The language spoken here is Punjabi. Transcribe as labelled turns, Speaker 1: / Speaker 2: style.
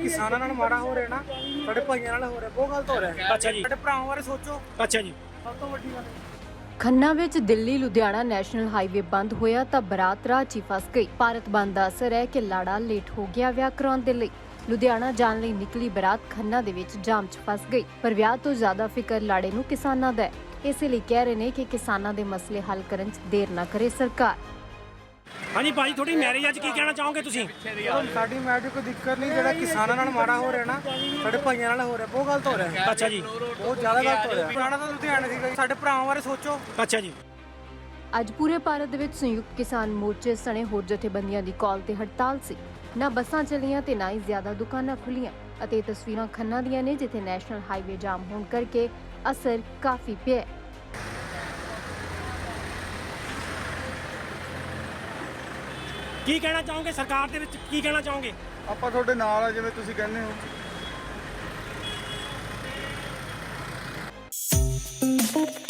Speaker 1: ਕਿਸਾਨਾਂ ਨਾਲ ਮਾੜਾ ਹੋ ਰਿਹਾ ਨਾ, ਸਾਡੇ ਭਾਈਆਂ ਨਾਲ ਹੋ ਰਿਹਾ, ਬਹੁਤ ਗਲਤ ਹੋ ਰਿਹਾ।
Speaker 2: ਅੱਛਾ ਜੀ।
Speaker 1: ਸਾਡੇ ਭਰਾਵਾਂ ਬਾਰੇ ਸੋਚੋ।
Speaker 2: ਅੱਛਾ ਜੀ।
Speaker 1: ਸਭ ਤੋਂ ਵੱਡੀ ਗੱਲ
Speaker 3: ਖੰਨਾ ਵਿੱਚ ਦਿੱਲੀ ਲੁਧਿਆਣਾ ਨੈਸ਼ਨਲ ਹਾਈਵੇ ਬੰਦ ਹੋਇਆ ਤਾਂ ਬਰਾਤ ਰਾਹ 'ਚ ਹੀ ਫਸ ਗਈ। ਭਾਰਤ ਬੰਦ ਦਾ ਅਸਰ ਹੈ ਕਿ ਲਾੜਾ ਲੇਟ ਹੋ ਗਿਆ ਵਿਆਹ ਕਰਾਉਣ ਦੇ ਲਈ। ਲੁਧਿਆਣਾ ਜਾਣ ਲਈ ਨਿਕਲੀ ਬਰਾਤ ਖੰਨਾ ਦੇ ਵਿੱਚ ਜਾਮ 'ਚ ਫਸ ਗਈ। ਪਰ ਵਿਆਹ ਤੋਂ ਜ਼ਿਆਦਾ ਫਿਕਰ ਲਾੜੇ ਨੂੰ ਕਿਸਾਨਾਂ ਦਾ ਹੈ। ਇਸੇ ਲਈ ਕਹਿ ਰਹੇ ਨੇ ਕਿ ਕਿਸਾਨਾਂ ਦੇ ਮਸਲੇ ਹੱਲ ਕਰਨ 'ਚ ਦੇਰ ਨਾ ਕਰੇ ਸਰਕਾਰ।
Speaker 2: ਹਾਂਜੀ ਭਾਜੀ, ਤੁਹਾਡੀ ਮੈਰਿਜ ਅੱਜ ਕੀ ਕਹਿਣਾ ਚਾਹੋਗੇ ਤੁਸੀਂ?
Speaker 1: ਸਾਡੀ ਮੈਰਿਜ ਕੋਈ ਦਿੱਕਤ ਨਹੀਂ, ਜਿਹੜਾ ਕਿਸਾਨਾਂ ਨਾਲ ਮਾੜਾ ਹੋ ਰਿਹਾ ਨਾ, ਸਾਡੇ ਭਾਈਆਂ ਨਾਲ ਹੋ ਰਿਹਾ, ਬਹੁਤ ਗਲਤ ਹੋ ਰਿਹਾ।
Speaker 2: ਅੱਛਾ ਜੀ।
Speaker 1: ਬਹੁਤ ਜ਼ਿਆਦਾ ਗਲਤ ਹੋ ਰਿਹਾ। ਪੁਰਾਣਾ ਤਾਂ ਲੁਧਿਆਣਾ ਸੀਗਾ ਜੀ। ਸਾਡੇ ਭਰਾਵਾਂ ਬਾਰੇ ਸੋਚੋ।
Speaker 2: ਅੱਛਾ ਜੀ।
Speaker 3: ਅੱਜ ਪੂਰੇ ਭਾਰਤ ਦੇ ਵਿੱਚ ਸੰਯੁਕਤ ਕਿਸਾਨ ਮੋਰਚੇ ਸਣੇ ਹੋਰ ਜਥੇਬੰਦੀਆਂ ਦੀ ਕਾਲ ਤੇ ਹੜਤਾਲ ਸੀ। ਨਾ ਬੱਸਾਂ ਚੱਲੀਆਂ ਤੇ ਨਾ ਹੀ ਜ਼ਿਆਦਾ ਦੁਕਾਨਾਂ ਖੁੱਲੀਆਂ ਅਤੇ ਇਹ ਤਸਵੀਰਾਂ ਖੰਨਾ ਦੀਆਂ ਨੇ, ਜਿੱਥੇ ਨੈਸ਼ਨਲ ਹਾਈਵੇ ਜਾਮ ਹੋਣ ਕਰਕੇ ਅਸਰ ਕਾਫੀ ਪਿਆ।
Speaker 2: ਕੀ ਕਹਿਣਾ ਚਾਹੋਗੇ ਸਰਕਾਰ ਦੇ ਵਿੱਚ, ਕੀ ਕਹਿਣਾ ਚਾਹੋਗੇ?
Speaker 4: ਆਪਾਂ ਤੁਹਾਡੇ ਨਾਲ ਆ, ਜਿਵੇਂ ਤੁਸੀਂ ਕਹਿੰਦੇ ਹੋ।